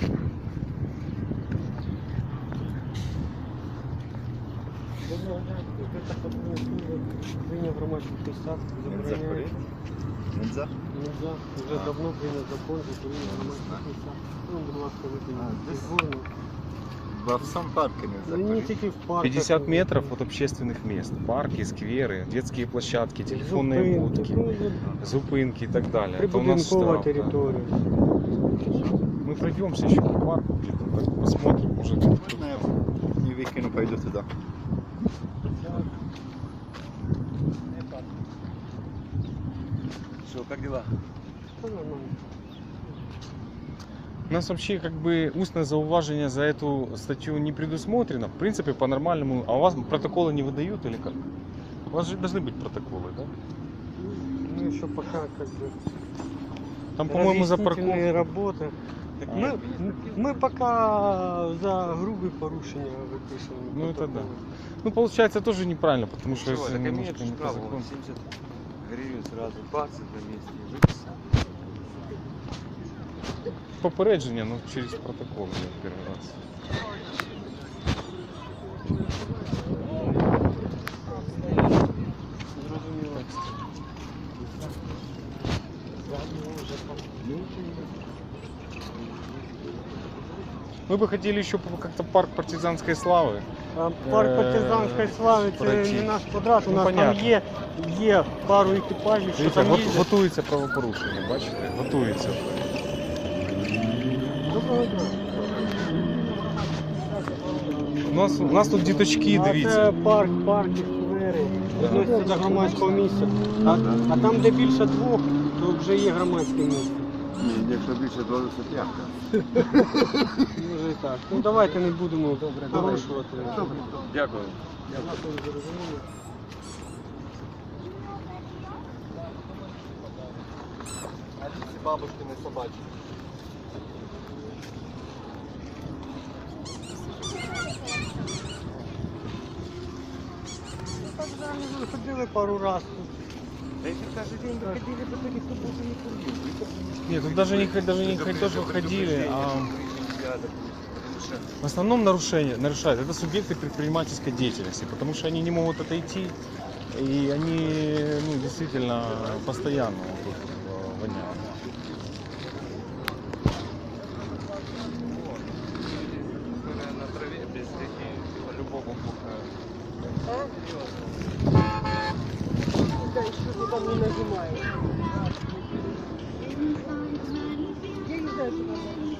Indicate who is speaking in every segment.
Speaker 1: Прийняв громадських місцях, забороняється.
Speaker 2: Нельзя?
Speaker 1: Нельзя. Вже давно прийняв закон, закурення в громадських місцях. Ну, будь ласка, викиньте.
Speaker 2: Во всем парке нельзя
Speaker 1: Не
Speaker 2: курить.
Speaker 1: тільки в парках.
Speaker 3: 50 метров от общественных мест. Парки, скверы, детские площадки, телефонные будки, зупинки и так далее. Это у нас
Speaker 1: Прибудинкова
Speaker 3: штраф, да.
Speaker 1: територія.
Speaker 3: Мы пройдемся еще по парку где-то, так посмотрим, может.
Speaker 2: Можно я не выкину, пойду туда?
Speaker 4: Что, как дела?
Speaker 1: Та нормально.
Speaker 3: У нас вообще как бы устное зауважение за эту статью не предусмотрено. В принципе, по-нормальному. А у вас протоколы не выдают или как? У вас же должны быть протоколы, да?
Speaker 1: Ну, еще пока как бы
Speaker 3: Там, по-моему, за парковку.
Speaker 1: разъяснительные работы. Так мы пока за грубые порушения выписываем.
Speaker 3: Ну, это да.
Speaker 1: протоколы.
Speaker 3: Ну, получается, тоже неправильно, потому что
Speaker 4: Чего?
Speaker 3: если
Speaker 4: Так
Speaker 3: немножко
Speaker 4: имеет
Speaker 3: не
Speaker 4: же
Speaker 3: по
Speaker 4: право,
Speaker 3: закону.
Speaker 4: 70 гривен сразу, 20 на месте и выписал.
Speaker 3: Попередження, ну, через протокол я первый раз.
Speaker 1: Зрозуміло.
Speaker 3: Мы бы хотели еще как-то парк партизанской славы.
Speaker 1: А парк партизанської слави це
Speaker 3: пройти.
Speaker 1: не наш квадрат, у
Speaker 3: Ну,
Speaker 1: нас
Speaker 3: понятно.
Speaker 1: там є пару екіпажів, що
Speaker 3: Дивіться,
Speaker 1: там їздять.
Speaker 3: готується правопорушення, бачите? Готується.
Speaker 1: Доброго дня.
Speaker 3: У нас тут діточки,
Speaker 1: А
Speaker 3: дивіться.
Speaker 1: це парки, сквери, відносяться до громадського місця. А там, де більше двох, то вже є громадське місце.
Speaker 2: Ні, якщо більше 20 п'ятка.
Speaker 1: Може і так. Ну давайте не будемо порушувати.
Speaker 4: Дякую.
Speaker 2: Бабушкины собачки.
Speaker 1: Так же ходили пару разів.
Speaker 4: Да если каждый день выходили, то никто больше не курил.
Speaker 3: Нет, тут даже не тоже ходили, а в основном нарушают. Это субъекты предпринимательской деятельности, потому что они не могут отойти, и они действительно постоянно вот тут воняют.
Speaker 4: На траве без таких, по-любому бухают.
Speaker 1: Да, еще ты там не нажимаешь. Я не знаю, что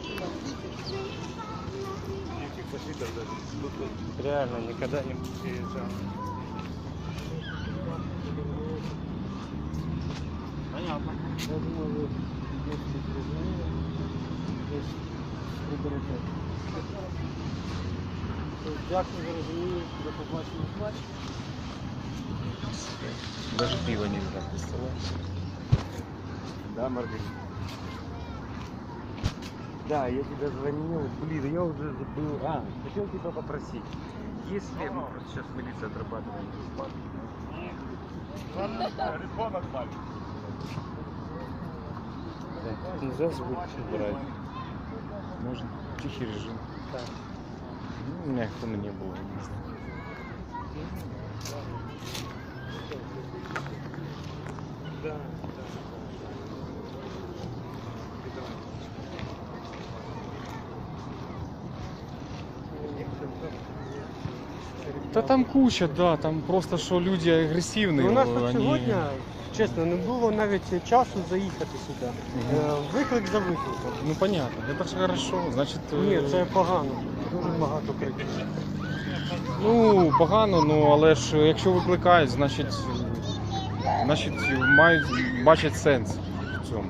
Speaker 4: Никаких защитов даже. Тут реально никогда не приезжал. Понятно.
Speaker 1: Я думаю, ви дійсно зрозуміли. Десь виберете. Дякую за розуміння, до побачення.
Speaker 3: Даже пиво нельзя, представляешь?
Speaker 4: Да, Маргарита? Да, я тебе звонил, блин, я уже забыл. Хотел тебя попросить. Если мы просто сейчас милиция отрабатываем бесплатно. Нельзя звук убирать.
Speaker 3: Можно. Тихий режим.
Speaker 1: Так.
Speaker 3: Ну, у меня их не было, не знаю.
Speaker 1: Да.
Speaker 3: Да там куча, да, там просто что люди агрессивные.
Speaker 1: У нас тут
Speaker 3: они...
Speaker 1: сьогодні, чесно, не було навіть часу заїхати сюди. Виклик за викликом.
Speaker 3: Ну понятно, это же хорошо, значит...
Speaker 1: Ні, це погано. Дуже багато криків.
Speaker 3: Ну, погано, ну, але ж якщо викликають, значить мають бачать сенс в цьому.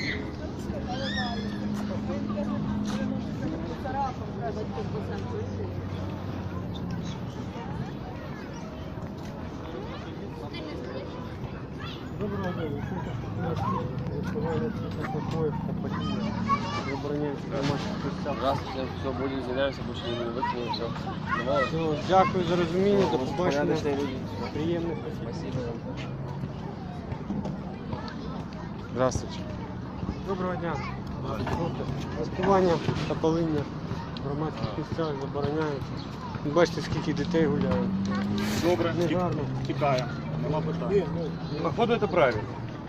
Speaker 1: Доброго дня. Висування такої події. Забороняється громадських місцях.
Speaker 4: Здравствуйте, все, будем извиняемся, больше не буду выкинуть, все.
Speaker 1: Все, дякую за розуміння, до побачення.
Speaker 4: Порядочные люди.
Speaker 1: Приємних.
Speaker 4: Спасибо вам.
Speaker 3: Здравствуйте.
Speaker 1: Доброго дня. Розпивання та паління в громадських місцях забороняється. Бачите, скільки дітей гуляє.
Speaker 5: Добре,
Speaker 1: Негарно.
Speaker 5: тікає. Нема питань. Походу, це правильно.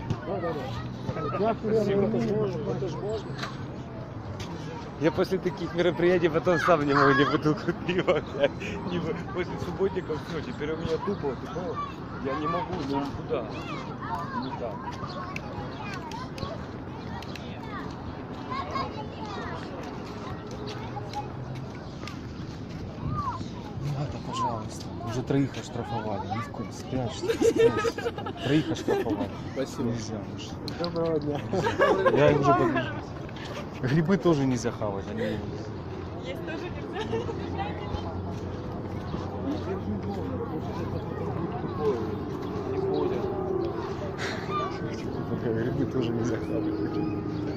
Speaker 4: Я после таких мероприятий потом сам не могу ни бутылку пива взять, ни после субботников все. Теперь у меня тупо, я не могу никуда. Никак.
Speaker 3: Надо, пожалуйста. Уже троих оштрафовали. Ни в коем спрячься. Троих оштрафовали.
Speaker 2: Спасибо.
Speaker 3: Нельзя уже.
Speaker 1: Доброго дня.
Speaker 3: Я их уже подвижу. Грибы тоже нельзя хавать. Они...
Speaker 6: Есть тоже нельзя.
Speaker 3: Грибы тоже нельзя хавать.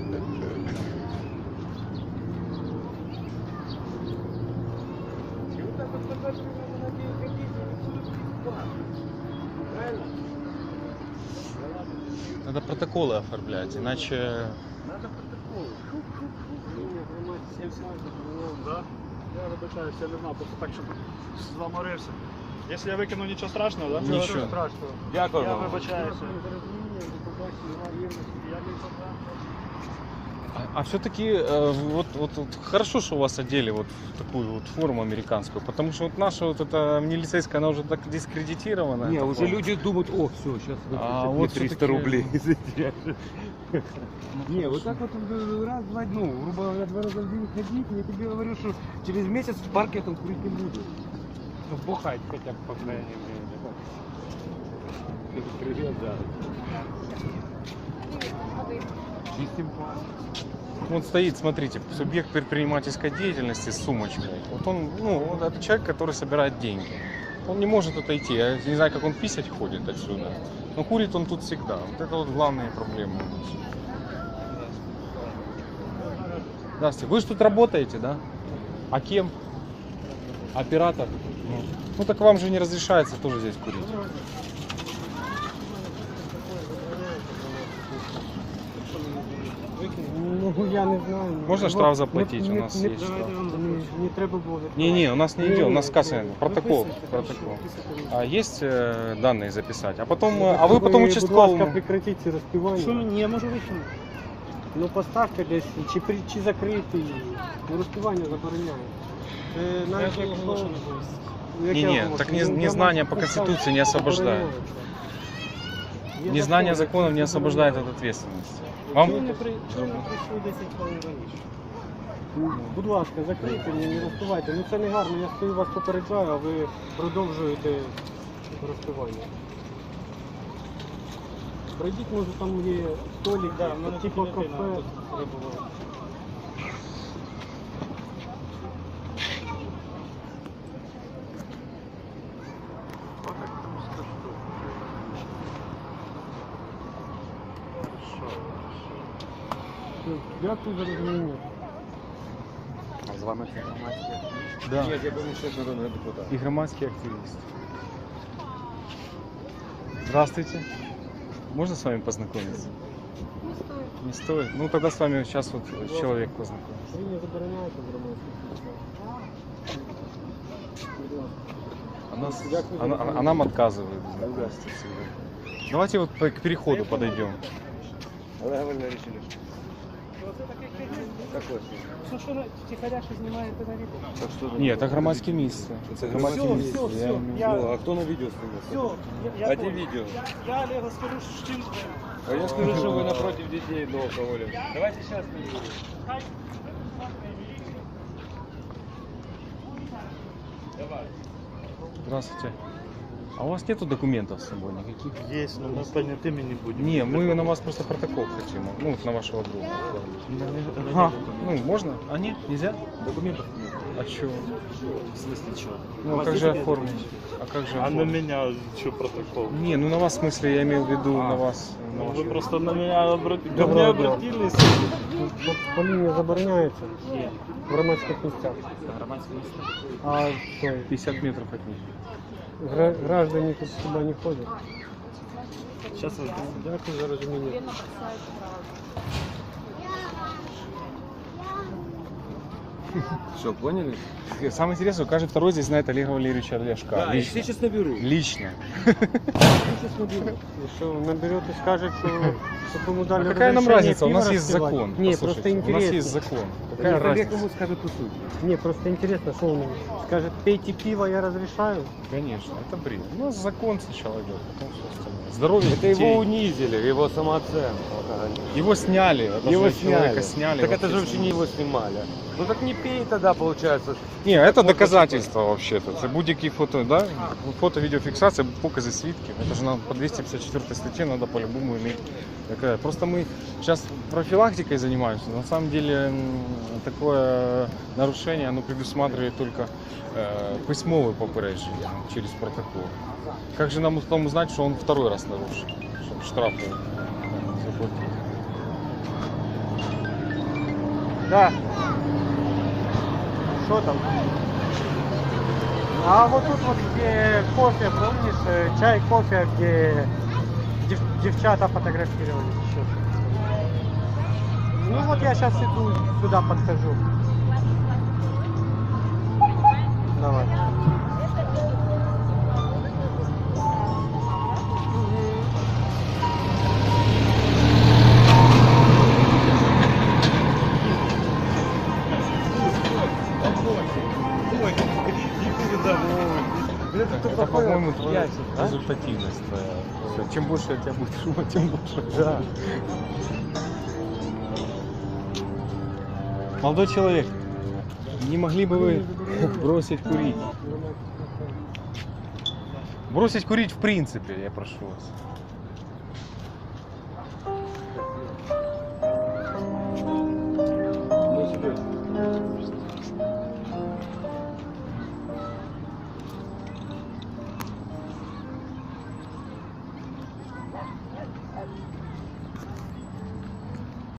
Speaker 3: Надо протоколы оформлять, иначе...
Speaker 5: Да? Я вибачаюся, я не знав, просто так, щоб заморився. Якщо я викину, нічого страшного, так?
Speaker 3: Нічого.
Speaker 5: страшного.
Speaker 4: Дякую
Speaker 5: Я
Speaker 4: вам.
Speaker 5: вибачаюся.
Speaker 3: А все-таки вот хорошо, что вас одели вот в такую вот форму американскую, потому что вот наша вот эта милицейская, она уже так дискредитирована.
Speaker 4: Не,
Speaker 3: эта
Speaker 4: уже
Speaker 3: форма.
Speaker 4: люди думают, о, все, сейчас
Speaker 3: А
Speaker 4: мне
Speaker 3: вот
Speaker 4: 300
Speaker 3: всё-таки-
Speaker 4: рублей затеряешь. Не, вот так вот раз, два, ну, грубо говоря, 2 раза в день ходить, я тебе говорю, что через месяц в парке я там курить не буду.
Speaker 5: Ну, бухать хоча б по крайней мере.
Speaker 4: Привет, да. Чистим
Speaker 3: Вот стоит, смотрите, субъект предпринимательской деятельности с сумочкой. Вот он, ну, вот это человек, который собирает деньги. Он не может отойти. Я не знаю, как он писать ходит отсюда. Но курит он тут всегда. Вот это вот главные проблемы у нас. Здравствуйте. Вы же тут работаете, да? А кем? Оператор? Ну так вам же не разрешается тоже здесь курить.
Speaker 1: Ну, я не знаю.
Speaker 3: Можно штраф заплатить? У нас есть штраф.
Speaker 1: Не треба було.
Speaker 3: Не, у нас не идет, у нас касса, протокол.
Speaker 1: Виписуйте,
Speaker 3: Протокол.
Speaker 1: виписуйте.
Speaker 3: А есть данные записать? А потом, а вы потом
Speaker 1: Будь ласка,
Speaker 3: участковому.
Speaker 1: прекратіть ці розпівання.
Speaker 5: Ні, я можу викинути.
Speaker 1: Ну поставте десь, чи закрити її. Ну, розпівання забороняє. Навіть якщо...
Speaker 3: Не, так незнание по Конституции не освобождает. Незнание законов не освобождает от ответственности. Вам?
Speaker 1: Чому не прийшли 10 хвилин раніше? Будь ласка, закрийте, не розпивайте. Ну це не гарно, я стою вас попереджаю, а ви продовжуєте розпивання. Пройдіть, може там є столик, типу кафе. Дякую за розуміння.
Speaker 4: А з вами це громадське?
Speaker 3: Да.
Speaker 4: Ні, я думаю, що народний депутат.
Speaker 3: И громадский активист. Здравствуйте. Можно с вами познакомиться?
Speaker 6: Не стоит.
Speaker 3: Не стоит? Ну тогда с вами сейчас вот человек познакомится.
Speaker 1: Ви не забороняєте громадських
Speaker 3: А нам отказывают в знакомстве всегда. Давайте вот к переходу подойдем.
Speaker 4: Але ви не рішили. Какой?
Speaker 5: Що тихаря ще знімаєте на відео?
Speaker 4: Так що
Speaker 3: Нет, это громадские места.
Speaker 4: Це
Speaker 3: Громадське
Speaker 5: Все,
Speaker 3: місце.
Speaker 5: все,
Speaker 3: Я
Speaker 5: все.
Speaker 3: имею-
Speaker 4: Ну, а хто на відео знімає?
Speaker 5: Все, я
Speaker 4: А де
Speaker 5: понял.
Speaker 4: відео?
Speaker 5: Я Олегу скажу, що чим...
Speaker 4: А я скажу, що ви напротив дітей до алкоголя. Давайте зараз на відео.
Speaker 3: Здравствуйте. А у вас нету документов с собой никаких?
Speaker 5: Есть, но мы понятыми не будем.
Speaker 3: Не, мы на вас просто протокол хотим. Ну, вот на вашего друга.
Speaker 5: Ага.
Speaker 3: Ну, можно? А нет, нельзя?
Speaker 5: Документов нет.
Speaker 3: А чё?
Speaker 5: В смысле чего?
Speaker 3: Ну, а как же оформить? А как же
Speaker 5: А на
Speaker 3: оформить?
Speaker 5: меня что протокол?
Speaker 3: Не, ну на вас, в смысле, я имел в виду на вас. на
Speaker 5: Ну,
Speaker 3: вашего-
Speaker 5: вы просто на меня обратились. Ко мне
Speaker 1: Доброго дня.
Speaker 5: обратились.
Speaker 1: Паління забороняється в громадських місцях. А що,
Speaker 3: 50 метров от них.
Speaker 1: граждані тут сюди не ходять?
Speaker 5: Сейчас
Speaker 1: Дякую за розуміння.
Speaker 4: Что, поняли?
Speaker 3: Самое интересное, каждый второй здесь знает Олега Валерьевича Ляшка.
Speaker 4: Да, я
Speaker 3: лично.
Speaker 4: сейчас наберу.
Speaker 3: Лично.
Speaker 4: Сейчас наберу.
Speaker 1: И что, наберет и скажет, что чтобы ему дали
Speaker 3: А какая нам
Speaker 1: разрешение
Speaker 3: разница? У
Speaker 1: пиво
Speaker 3: нас есть
Speaker 1: распивать?
Speaker 3: закон.
Speaker 1: Не,
Speaker 3: Послушайте,
Speaker 1: просто
Speaker 3: у нас
Speaker 1: интересно.
Speaker 3: есть закон. Какая
Speaker 4: Олег
Speaker 3: разница?
Speaker 4: ему скажет по сути.
Speaker 1: Не, просто интересно, что он скажет, пейте пиво, я разрешаю.
Speaker 3: Конечно, это бред. У нас закон сначала идет, потом все остальное. Здоровье
Speaker 4: Это
Speaker 3: детей.
Speaker 4: его унизили, его самооценку.
Speaker 3: Его сняли. Это
Speaker 4: Его
Speaker 3: же человека
Speaker 4: сняли.
Speaker 3: сняли.
Speaker 4: Так это же
Speaker 3: вообще
Speaker 4: вообще не его снимали. Ну так не пей тогда, получается.
Speaker 3: Не, это доказательство вообще-то. Це будь-які фото, да? Фото-видеофиксация, показы свідків. Это же нам по 254 статье надо по-любому иметь. Такая. Просто мы сейчас профилактикой занимаемся. На самом деле такое нарушение, оно предусматривает только письмовое попереджение через протокол. Как же нам потом узнать, что он второй раз нарушил? Чтобы штрафы заплатить.
Speaker 1: Да. Что там? А вот тут вот где кофе, помнишь, чай, кофе, где девчата фотографировались еще. Ну вот я сейчас иду, сюда подхожу. Давай.
Speaker 3: Это, по-моему, твоя
Speaker 4: ящик, а?
Speaker 3: результативность твоя. Всё, чем больше от тебя будет шума, тем больше.
Speaker 1: Да.
Speaker 3: Молодой человек, не могли бы вы бросить курить? Бросить курить в принципе, я прошу вас.